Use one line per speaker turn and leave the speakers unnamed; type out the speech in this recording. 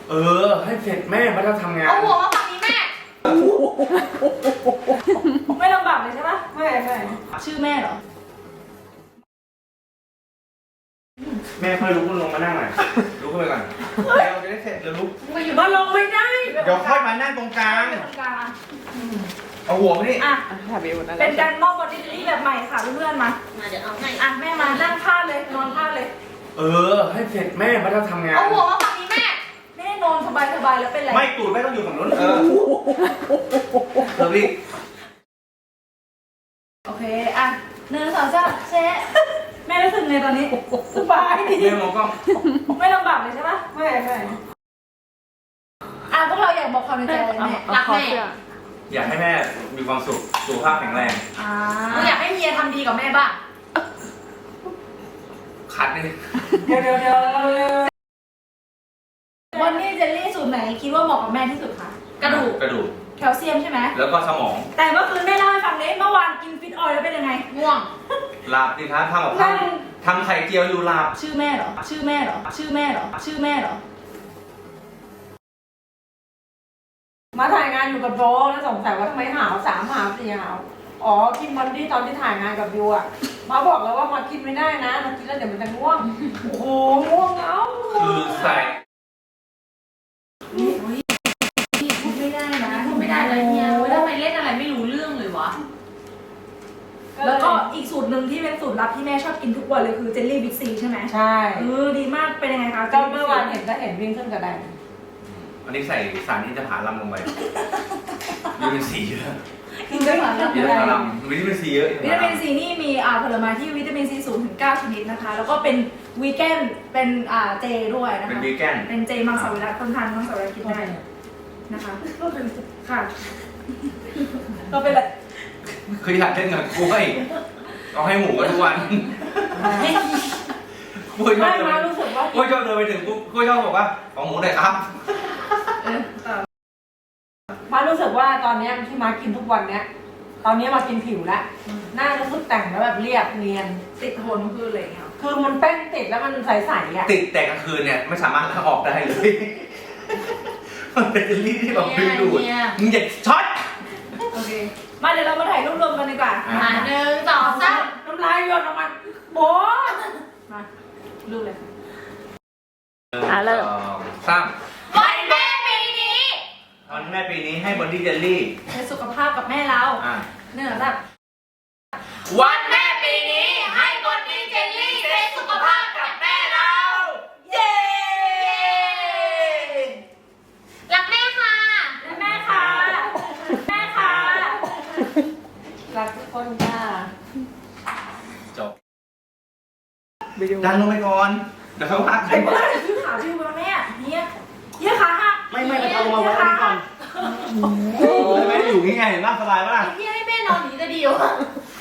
ให้เสร็จแม่มาจะทำงาน
เอาหัวมาฝั่งนี้แม่ไม่ลำบากเลยใช่ปะไม่ชื่อแม่เหรอ
แม่ค่อยลุกขึ้นลงมานั่งหน่อยลุกขึ้นไปก่อนเราจะได้เสร็จแล้วลุก
มาลงไม่ได้
เดี๋ยวค่อยมานั่งตรงกลางเอาหัวมาดิ
อ่ะเป็นการมอบวันดิจิลี่แบบใหม่ค่ะเพื่อนๆมาเดี๋ยวเอาให้อ่ะแม่มานั่งพาดเลยนอนพาดเลย
ให้เสร็จแม่มาจะทำงาน
เอาหัวมาฝั่งนี้แม่นอนสบายแล้วเป็นไร
ไม่ตูดแม่ต้องอยู่ฝั่งนู้นรีบ
โอเคอ่ะ1 2 3เช็แม่รู้สึกไงตอนนี้สบายดี
แม่มองกล้อง
ไม่ลำบากเลยใช่ปะไม่พวกเราอยากบอกความในใจอะไรแม่รักแม่
อยากให้แม่มีความสุขสุขภาพแข็งแรง
อยากให้เมียทำดีกับแม่บ้าง
คัดเลย
เดี๋ยววันนี้เจลลี่สูตรไหนคิดว่าเหมาะกับแม่ที่สุดคะกระดูกแคลเซียมใช่ไหม
แล้วก็สมอง
แต่เมื่อคืนแม่เล่าให้ฟังเลยเมื่อวานกินฟิตออยล์แล้วเป็นยังไงง่วง
หลับดิครับทำกับข้าวทำไข่เจียวอยู่หลับ
ชื่อแม่เหรอ
มาถ่ายงานอยู่กับโบแล้วสงสัยว่าทำไมหาว3 หาว 4 หาวอ๋อกินวันที่ตอนที่ถ่ายงานกับยูอ่ะมาบอกแล้วว่ามากินไม่ได้นะมากินแล้วเดี๋ยวมันจะง่วงโอ้โหง่วงเอา
คือใส่
พูดไม่ได้นะพูดไม่ได้เลยเนี่ยทำไมเล่นอะไรไม่รู้เรื่องเลยวะแล้วก็อีกสูตรหนึ่งที่เป็นสูตรลับที่แม่ชอบกินทุกวันเลยคือเจลลี่บิ๊กซีใช่ไหม
ใช่
ดีมากเป็นยังไงคะ
ก็เมื่อวานเห็นวิ่งขึ้นกระได
อันนี้ใส่สารอินทผลัมลงไปวิตามินซีเยอะ
อินทผลัม
วิตามินซีเยอะ
วิตามินซีนี่มีผลไม้ที่วิตามินซีสูงถึง9 ชนิดนะคะแล้วก็เป็นวีแกนเป็นเจด้วยนะคะ
เป็นวีแกน
เป็นเจมังสวิรัติคนทานมังสวิรัติกินได้นะคะก็เป็นค่ะก็เป็นอะไร
คืออยากเล่นกับกล้วยเอาให้หมูกันทุกวันกล้วยชอบเดินไปถึงกล้วยชอบบอกว่าของหมูหน่อยครับ
มารู้สึกว่าตอนนี้ที่มากินทุกวันเนี้ยตอนนี้มากินผิวแล้วหน้ารู้สึกแต่งแล้วแบบเรียบเนียน
ติดทนคืออะไรเงี้ย
คือมันแป้งติดแล้วมันใสๆอ่ะ
ติดแต่กลางคืนเนี่ยไม่สามารถล้างออกได้เลยมันเป็นเจลลี่ที่แบบดึงดูดมึงอย่าช็อต
โอเคมาเดี๋ยวเรามาถ่ายรูปรวมกันดีกว่า1 2 3
น้ำลายหยดออกมาโบ
มารูปเลย
เริ่ม
3วันแม่ปีนี้
ให้บอดี้เจลลี่
ให้สุขภาพกับแม่เรา
วันแม่ปีนี้ให้บอดี้เจลลี่ให้สุขภาพกับแม่เรา
เย้
รักแม่ค่ะรักทุกคนค่ะ
จบดันลงไปก่อนเดี๋ยวเขาพัก
ไอ้บ้าชื่อขาชื่อมาแม่เนี่ยขาหัก
ไม่เอาลงมาไว้ก่อนไม่อยู่ง่ายๆเห็นป่ะสบายป่ะ
พี่ให้แม่นอนหนีจะดีวะ